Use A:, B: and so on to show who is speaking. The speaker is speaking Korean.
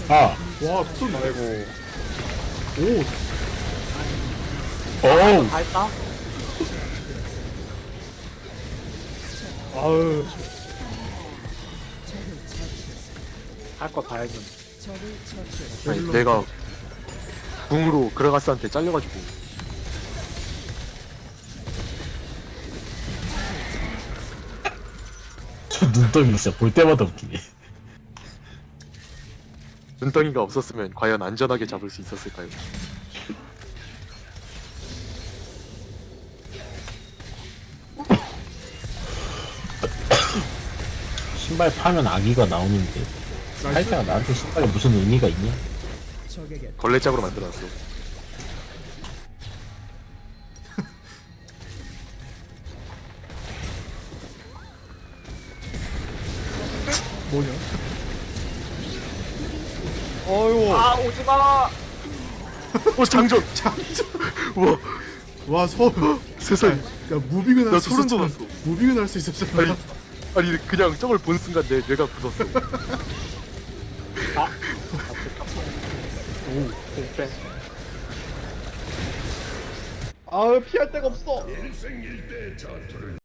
A: 아,
B: 와 툭
C: 아이고.
B: 오
A: 어우,
C: 다 했다. 아유. 할 거 다 해준.
D: 아니, 내가 궁으로 그라가스한테 잘려가지고.
A: 저 눈덩이 진짜 볼 때마다 웃기네.
D: 눈덩이가 없었으면 과연 안전하게 잡을 수 있었을까요?
A: 신발 파면 아기가 나오는데 살짝 나한테 신발에 무슨 의미가 있냐?
D: 걸레짝으로 만들어놨어.
B: 뭐냐 어이구
C: 아 오지마.
D: 장전!
B: 장전
D: 우와,
B: 와 서울
D: 세상에.
B: 야 무빙은
D: 나
B: 할 수
D: 소름
B: 있었잖아
D: 돋았어.
B: 무빙은 할 수 있었잖아
D: 아니, 그냥 저걸 본 순간 내 뇌가 굳었어.
C: 오 공빼.
B: 아 피할 데가 없어